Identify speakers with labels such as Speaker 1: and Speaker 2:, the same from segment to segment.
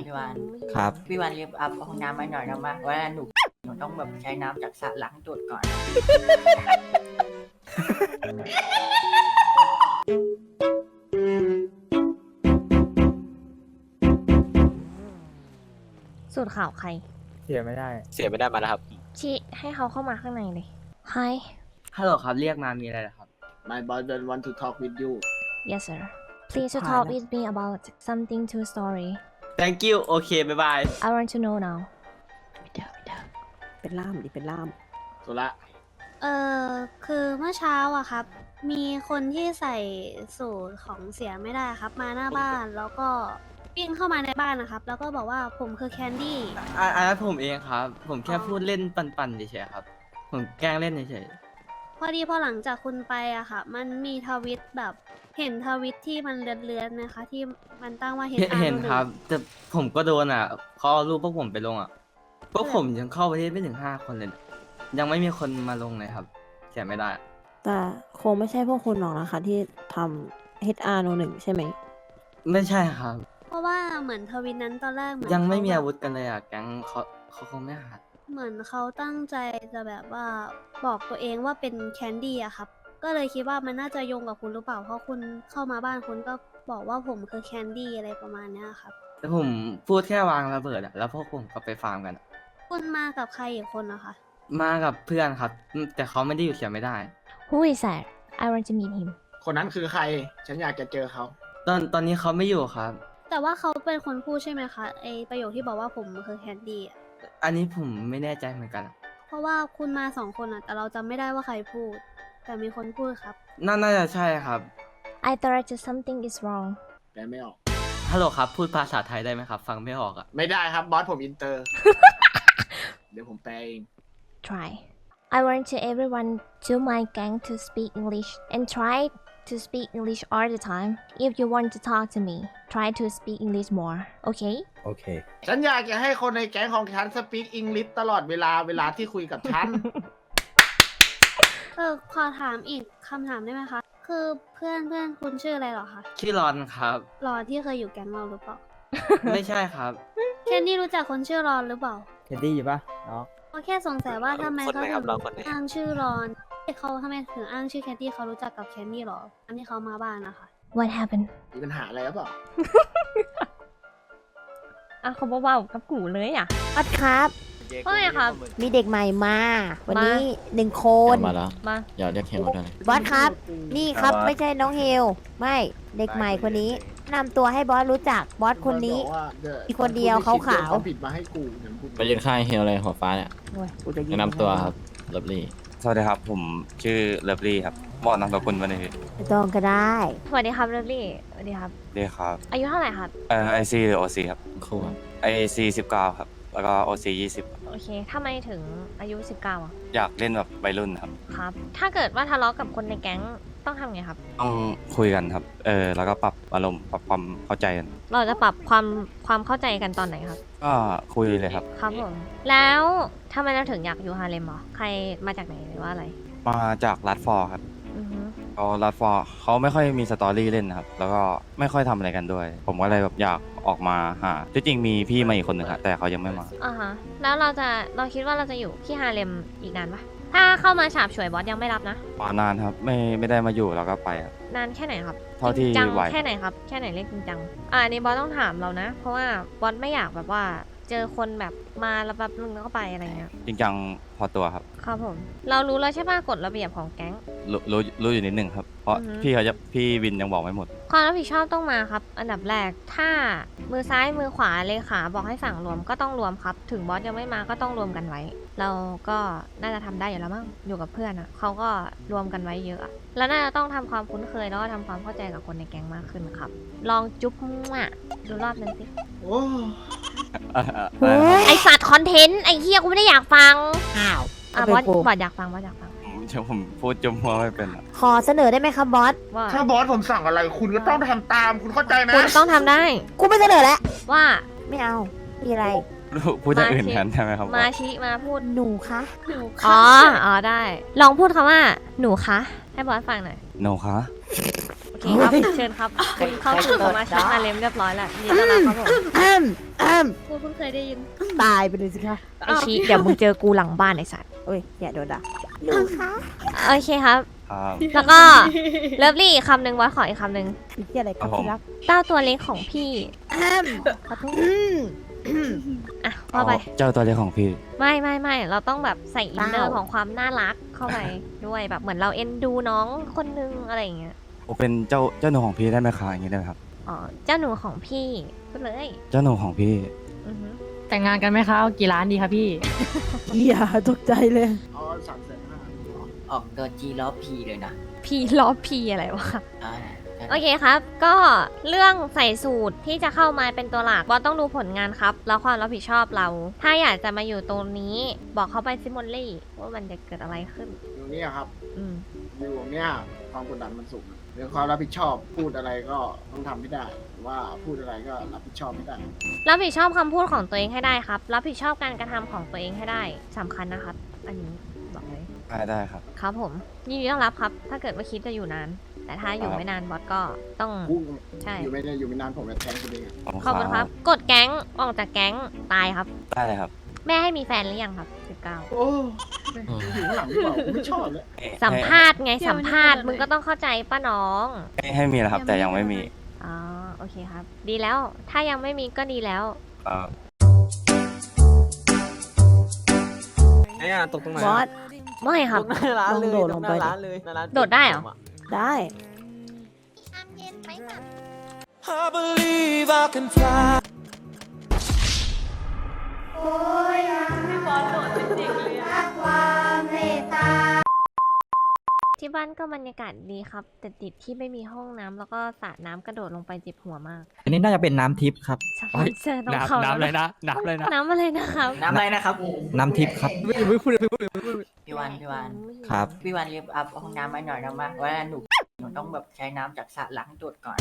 Speaker 1: พี่วาน
Speaker 2: ครับ
Speaker 1: พี่วานรีบอัพห้องน้ำมาหน่อยนะมาว่าหนูต้องแบบใช้น้ำจากสระล้างตูดก่อน
Speaker 3: สูตรข่าวใคร
Speaker 2: เสียไม่ได้
Speaker 4: เสียไม่ได้มาแล้วครับ
Speaker 3: ชี้ให้เขาเข้ามาข้างในเลย Hi
Speaker 2: ฮัลโหลครับ เรียกมามีอะไรเหรอครับ
Speaker 5: My boyfriend want to talk with you.
Speaker 3: Yes sir Please to talk with me about something to story
Speaker 2: thank you โอเคบ๊ายบาย
Speaker 3: I want to know now
Speaker 6: เป็นล่ามดิเป็นล่าม
Speaker 5: สุระ
Speaker 7: คือเมื่อเช้าอะครับ มีคนที่ใส่สูตรของเสียไม่ได้ครับ มาหน้าบ้านแล้วก็วิ่งเข้ามาในบ้านนะครับ แล้วก็บอกว่าผมคือแคนดี้
Speaker 2: อันนั้นผมเองครับ ผมแค่พูดเล่นปันๆเฉยๆครับ ผมแกล้งเล่นเฉย
Speaker 7: พอดีพอหลังจากคุณไปอะค่ะ มันมีทวิตแบบเห็นทวิตที่มันเลือนๆไหมคะ ที่มันตั้งว่า
Speaker 2: ๆ
Speaker 7: HR
Speaker 2: เห็นครับ แต่ผมก็โดนอ่ะเขาเอารูปพวกผมไปลงอ่ะ พวกผมยังเข้าประเทศไม่ถึง5 คนเลยนะยังไม่มีคนมาลงเลยครับเสียไม่ได้
Speaker 6: แต่คงไม่ใช่พวกคุณหรอกนะคะ ที่ทำ HR 1ใช่ไหม
Speaker 2: ไม่ใช่ครับ
Speaker 7: เพราะว่าเหมือนทวิตนั้นตอนแรกเหมือน
Speaker 2: ยังไม่มี
Speaker 7: เขา
Speaker 2: อา
Speaker 7: แบบ
Speaker 2: วุธกันเลยอ่ะ แก๊งเขาคงไม่หัด
Speaker 7: เหมือนเขาตั้งใจจะแบบว่าบอกตัวเองว่าเป็นแคนดี้อะครับ ก็เลยคิดว่ามันน่าจะโยงกับคุณหรือเปล่า เพราะคุณเข้ามาบ้านคุณก็บอกว่าผมคือแคนดี้อะไรประมาณเนี้ยครับ
Speaker 2: แต่ผมพูดแค่วางระเบิดอ่ะ แล้วพวกผมก็ไปฟาร์มกันอะ
Speaker 7: คุณมากับใครอีกคนนะคะ
Speaker 2: มากับเพื่อนครับ แต่เขาไม่ได้อยู่เสียไม่ได้
Speaker 3: Who is that I want to meet him
Speaker 5: คนนั้นคือใคร ฉันอยากจะเจอเขา
Speaker 2: ตอนนี้เขาไม่อยู่ครับ
Speaker 7: แต่ว่าเขาเป็นคนพูดใช่ไหมคะไอประโยคที่บอกว่าผมคือแคนดี้อะ
Speaker 2: อันนี้ผมไม่แน่ใจเหมือนกันอะ
Speaker 7: เพราะว่าคุณมา2 คนอะแต่เราจำไม่ได้ว่าใครพูด แต่มีคนพูดครับ
Speaker 2: น่าจะใช่ครับ
Speaker 3: I thought that something is wrong
Speaker 5: แปลไม่ออก
Speaker 2: ฮัลโหลครับ พูดภาษาไทยได้ไหมครับ ฟังไม่ออกอ่ะ
Speaker 5: ไม่ได้ครับ บอสผมอินเตอร์ เดี๋ยวผมแปลเอง
Speaker 3: Try I want to everyone to my gang to speak English and try to speak English all the time if you want to talk to me try to speak English more okay
Speaker 2: โอเค
Speaker 5: ฉันอยากจะให้คนในแก๊งของฉันสปีกอังกฤษตลอดเวลาที่คุยกับฉัน
Speaker 7: ขอถามอีกคำถามได้ไหมคะ คือเพื่อนคุณชื่ออะไรเหรอคะ
Speaker 2: ชื่อรอนครับ
Speaker 7: รอนที่เคยอยู่แก๊งเราหรือเปล่า
Speaker 2: ไม่ใช่ครับ
Speaker 7: แคนดี้รู้จักคนชื่อรอนหรือเปล่า
Speaker 2: เทดดี้อยู่ปะเนาะ
Speaker 7: ก็แค่สงสัยว่าทำไม
Speaker 4: คน
Speaker 7: เขา
Speaker 4: ไหนค
Speaker 7: ถึ
Speaker 4: รับ
Speaker 7: ง
Speaker 4: เราคนไหน
Speaker 7: อ้างชื่อรอนเขาทำไมถึงอ้างชื่อแคนดี้เขารู้จักกับแคนดี้หรออันที่เขามาบ้านนะคะ
Speaker 3: What happened
Speaker 5: มีปัญหาอะไรหรือเปล่า
Speaker 3: อ่ะเขาเบาๆกับกูเลยอ่ะ
Speaker 6: บอสครับ
Speaker 3: ว่าไงครับ
Speaker 6: มีเด็กใหม่มา วันนี้1 คน
Speaker 8: มาแล้ว
Speaker 3: มา
Speaker 8: อย่าเรียกเฮลด้วยนะ
Speaker 6: บอสครับ นี่ครับไม่ใช่น้องเฮล ไม่เด็กใหม่คนนี้นำตัวให้บอสรู้จักบอสคนนี้
Speaker 5: บอสบอกว่าดี๋ย
Speaker 6: อีกคนเดียวขาวๆ
Speaker 5: เขาผิดมาให้กูเหมือนกู
Speaker 8: ไปยืนข้างเฮลเลยหัวฟ้าเนี่ย
Speaker 6: โอ้ยกูจะยิง
Speaker 8: แนะนำตัวครับเลิฟลี่
Speaker 9: สวัสดีครับ ผมชื่อเลิฟลี่ครับบอกนามสกุลมาเลยพี่
Speaker 6: ไม่ต้องก็ได้
Speaker 3: สวัสดีครับเรลลี่สวัสดีครับ
Speaker 9: ดีครับ
Speaker 3: อายุเท่าไหร่ครับ
Speaker 9: ไอซีหรือโอซีครับ
Speaker 8: คู่ครับ
Speaker 9: ไอซี19 ครับ แล้วก็โอซี20ครับ
Speaker 3: โอเคทำไมถึงอายุ 19อ่ะ
Speaker 9: อยากเล่นแบบวัยรุ่นครับ
Speaker 3: ครับ ถ้าเกิดว่าทะเลาะกับคนในแก๊งต้องทำไงครับ
Speaker 9: ต้องคุยกันครับ แล้วก็ปรับอารมณ์ปรับความเข้าใจกัน
Speaker 3: เราจะปรับความเข้าใจกันตอนไหนครับ
Speaker 9: ก็คุยเลยครับ
Speaker 3: ครับผม แล้วทำไมเราถึงอยากอยู่ฮาเลมเหรอ ใครมาจากไหนหรือว่าอะไร
Speaker 9: มาจากรัดฟอร์ครับ
Speaker 3: อือฮึ
Speaker 9: เขารัดฟอร์เขาไม่ค่อยมีสตอรี่เล่นนะครับ แล้วก็ไม่ค่อยทำอะไรกันด้วย ผมก็เลยแบบอยากออกมาหาที่จริงมีพี่มาอีกคนหนึ่งครับแต่เขายังไม่มา
Speaker 3: อ่าฮะ แล้วเราคิดว่าเราจะอยู่ที่ฮาเลมอีกนานปะถ้าเข้ามาฉาบฉวยบอสยังไม่รับนะ
Speaker 9: มานานครับ ไม่ได้มาอยู่แล้วก็ไปครับ
Speaker 3: นานแค่ไหนครับ
Speaker 9: เท่าที่
Speaker 3: จริงจัง
Speaker 9: ไหว
Speaker 3: แค่ไหนครับ แค่ไหนเรียกจริงจังอันนี้บอสต้องถามเรานะ เพราะว่าบอสไม่อยากแบบว่า เจอคนแบบมาแล้วแบบนึงแล้วก็ไปอะไรเงี้ย
Speaker 9: จริงจังพอตัวครับ
Speaker 3: ครับผม เรารู้แล้วใช่ป่ะกฎระเบียบของแก๊ง
Speaker 9: รู้อยู่นิดนึงครับ เพราะ
Speaker 3: อือฮึ
Speaker 9: พี่วินยังบอกไม่หมด
Speaker 3: ความรับผิดชอบต้องมาครับ อันดับแรก ถ้ามือซ้ายมือขวาเลขาบอกให้สั่งรวมก็ต้องรวมครับ ถึงบอสยังไม่มาก็ต้องรวมกันไว้ เราก็น่าจะทำได้อยู่แล้วมั้ง อยู่กับเพื่อนอ่ะเขาก็รวมกันไว้เยอะอะแล้วน่าจะต้องทำความคุ้นเคยแล้วก็ทำความเข้าใจกับคนในแก๊งมากขึ้นครับ ลองจุ๊บมั่วดูรอบนึงสิ
Speaker 5: โอ้
Speaker 6: เฮ้ย
Speaker 3: ไอสัตว์คอนเทนต์ไอเฮียกูไม่ได้อยากฟัง
Speaker 6: อ้าว
Speaker 3: อ่ะ
Speaker 6: เอา
Speaker 3: บ
Speaker 6: ไป
Speaker 3: อส
Speaker 6: กู
Speaker 3: บอสอยากฟังบอสอยากฟัง
Speaker 9: ผมพูดจมหัวไม่เป็นอะ
Speaker 6: ขอเสนอได้ไหมครับบอส
Speaker 3: ว่า
Speaker 5: ถ้าบอสผมสั่งอะไร คุณก็ต้องทำตาม คุณเข้าใจไหม
Speaker 3: คุณต้องทำได้
Speaker 6: กูไม่เสนอแล้ว
Speaker 3: ว่า
Speaker 6: ไม่เอา มีอะไร
Speaker 9: พูดอย่างอื่นแทนใช่ไหมครับ
Speaker 3: มาชี้มาพูด
Speaker 6: หนูคะ
Speaker 3: อ๋อได้ ลองพูดคำว่าหนูคะให้บอสฟังหน่อย
Speaker 9: โนคะ
Speaker 3: โอเคครับ เชิญครับคุณเข้าสู่สมาชิกอาเลมเรียบร้อยแล้วยินดีต้อนรับครับผม
Speaker 6: อ้ม
Speaker 7: เพิ่งเคยได้ยิน
Speaker 6: ตายไปเลยสิคะ
Speaker 3: ไอชีเดี๋ยวมึงเจอกูหลังบ้านไอสัตว์
Speaker 6: โอ้ยอย่าโดนด่าลุงคะ
Speaker 3: โอเคครับ
Speaker 9: ครับ
Speaker 3: แล้วก็เลิฟลี่อีกคำหนึ่งบอสขออีกคำหนึ่ง
Speaker 6: อีกที่อะไรครับ
Speaker 9: ครับผม
Speaker 6: ที่รัก
Speaker 3: เต้าตัวเล็กของพี่
Speaker 6: ขอโทษ
Speaker 3: อ่ะว่าไป
Speaker 9: เจ้าตัวเล็กของพี่
Speaker 3: ไม่เราต้องแบบใส่อินเนอร์
Speaker 6: เต้า
Speaker 3: ของความน่ารักเข้าไปด้วยแบบเหมือนเราเอ็นดูน้องคนนึงอะไรอย่างเงี้ย
Speaker 9: ผมเป็นเจ้าหนูของพี่ได้ไหมคะอย่างนี้ได้ไหมครับ
Speaker 3: อ๋อเจ้าหนูของพี่พูดเลย
Speaker 9: เจ้าหนูของพี่
Speaker 3: อือฮึ
Speaker 4: แต่งงานกันไหมคะเอากี่ล้านดีคะพี่
Speaker 6: อย่าตกใจเลย
Speaker 5: อ๋อ350,000
Speaker 1: ออกตัวจีล้อพีเลยนะ
Speaker 3: พี่ล้อพี่อะไรวะ
Speaker 1: อ่า
Speaker 3: โอเคครับ ก็เรื่องใส่สูตรที่จะเข้ามาเป็นตัวหลักบอสต้องดูผลงานครับ แล้วความรับผิดชอบเรา ถ้าอยากจะมาอยู่ตรงนี้ บอกเขาไปซิมอนลี่ว่ามันจะเกิดอะไรขึ้น
Speaker 5: อยู่เนี่ยครับ
Speaker 3: อืม
Speaker 5: อยู่เนี่ยความกดดันมันสูงเรื่องความรับผิดชอบพูดอะไรก็ต้องทำให้ได้ ว่าพูดอะไรก็รับผิดชอบไม่ได้
Speaker 3: รับผิดชอบคำพูดของตัวเองให้ได้ครับ รับผิดชอบการกระทำของตัวเองให้ได้สำคัญนะครับ อันนี้บอกเลย
Speaker 9: ได้ครับ
Speaker 3: ครับผมยินดีต้อนรับครับ ถ้าเกิดว่าคิดจะอยู่นาน แต่ถ้าอยู่ไม่นานบอสก็ต้อง
Speaker 5: พูด
Speaker 3: ใช่
Speaker 5: อยู่ไม่ได้อยู่ไม่นานผมจะแทงคุณเองอะ
Speaker 3: ขอบคุณครับ กดแก๊งออกจากแก๊งตายครับ
Speaker 9: ได้เลยครับ
Speaker 3: แม่ให้มีแฟนหรือยังครับ
Speaker 5: โอ้อยู่ข้างหลังดีกว่าผมไม่ชอบเลย
Speaker 3: 19สัมภาษณ์ไงสัมภาษณ์มึงก็ต้องเข้าใจป้าน้อง
Speaker 9: ให้มีแล้วครับ แต่ยังไม่มี
Speaker 3: อ๋อโอเคครับ ดีแล้ว ถ้ายังไม่มีก็ดีแล้ว
Speaker 9: ครับ
Speaker 2: ไอ้อะตกตรงไหน
Speaker 6: บอส
Speaker 3: ไม่ครับ
Speaker 6: ลองโดดลงไปดิ
Speaker 3: โดดได้เหรอ
Speaker 6: ได้
Speaker 3: ที่บ้านก็บรรยากาศดีครับ แต่ติดที่ไม่มีห้องน้ำแล้วก็สระน้ำกระโดดลงไปเจ็บหัวมาก
Speaker 10: อันนี้น่าจะเป็นน้ำทิพย์ครับ
Speaker 3: สปอนเซอร์ต้องเข้า
Speaker 10: น้ำเลยนะ น้ำเลยนะ
Speaker 3: น้ำอะไรนะครับ
Speaker 1: น้ำอะไรนะครับ
Speaker 10: น้ำทิพย์ครับ
Speaker 1: พี่วัน
Speaker 10: ครับ
Speaker 1: พี่วันรีบอัพห้องน้ำให้หน่อยนะมาว่าหนูต้องแบบใช้น้ำจากสระล้างตัวก่อน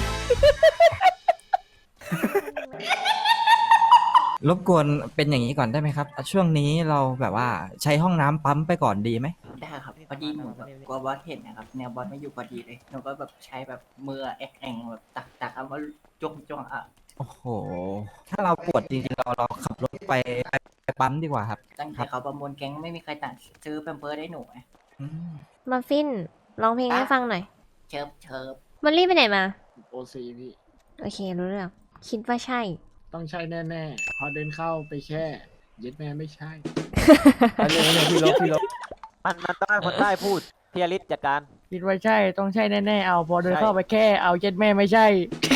Speaker 10: รบกวนเป็นอย่างนี้ก่อนได้ไหมครับ ช่วงนี้เราแบบว่าใช้ห้องน้ำปั๊มไปก่อนดีไหม
Speaker 1: ได้ครับพอดีหนูแบบกลัวบอสเห็นนะครับแนวบอสไม่อยู่พอดีเลยหนูก็แบบใช้แบบมือแอ็งแบบตักเอามาจ้วงอ่ะ
Speaker 10: โอ้โห ถ้าเราปวดจริงๆเราขับรถไปปั๊มดีกว่าครับ
Speaker 1: ตั้งแต่เขาประมูลแก๊งไม่มีใครตัดซื้อแพมเพิร์สให้หนูไง
Speaker 10: อืม
Speaker 3: มาฟินร้องเพลงให้ฟังหน่อย
Speaker 1: เชิบ
Speaker 3: มอลลี่ไปไหนมา
Speaker 5: โอซีพี่
Speaker 3: โอเครู้เรื่อง คิดว่าใช่
Speaker 5: ต้องใช่แน่ๆพอเดินเข้าไปแค่เย็ดแม่ไม่ใช่
Speaker 2: พี่ลบ
Speaker 11: มันต้องให้คนใต้พูดพี่อลิสจัดการ
Speaker 4: คิดว่าใช่ต้องใช่แน่ๆเอาพอเดินเข้าไปแค่เอาเจ็ดแม่ไม่ใช่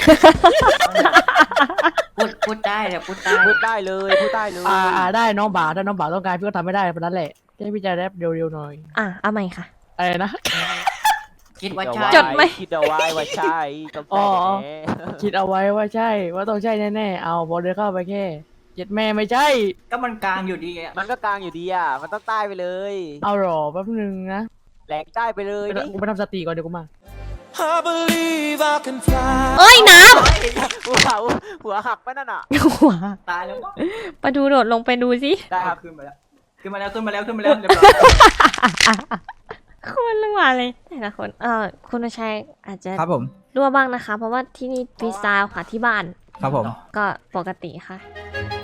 Speaker 1: พูดได้เลยพูดได้
Speaker 11: พูดได้เลยพูดได้เลย
Speaker 4: ได้น้องบ่าวถ้าน้องบ่าวต้องการพี่ก็ทำไม่ได้เพราะนั้นแหละให้พี่จะแรปเร็วๆหน่อย
Speaker 3: อ่ะเอาใหม่ค่ะ
Speaker 4: อะไรนะ
Speaker 1: คิดว่าใช่
Speaker 3: จดไหม
Speaker 11: คิดเอาไว้ว่าใช่ต้อง
Speaker 4: อ๋
Speaker 11: ใช่
Speaker 4: อ
Speaker 11: แน่
Speaker 4: คิดเอาไว้ว่าใช่ว่าต้องใช่แน่ๆเอาพอเดินเข้าไปแค่เจ็ดแม่ไม่ใช่
Speaker 1: ก็มันกลางอยู่ดีอะ
Speaker 11: มันก็กลางอยู่ดีอ่ะมันต้องใต้ไปเลย
Speaker 4: เอาหรอแป๊บนึงนะ
Speaker 11: แหลกใต้ไปเลยนี่
Speaker 4: กูไปทำสติก่อนเดี๋ยวกูมา
Speaker 3: เอ้ยน้
Speaker 11: หัวหักไปนั่นอ่ะ
Speaker 3: ำหัว
Speaker 1: ตายแล้วมั้ง
Speaker 3: มาดูโดดลงไปดูสิ
Speaker 11: ได้ครับ
Speaker 1: ขึ้นมาแล้วเรียบร้อย
Speaker 3: คนรั่วเลยแต่ละคนคุณวชัยอาจจะ
Speaker 10: ครับผม
Speaker 3: รั่วบ้างนะคะ เพราะว่าที่นี่ฟรีสไตล์ค่ะที่บ้าน
Speaker 10: ครับผม
Speaker 3: ก็ปกติค่ะ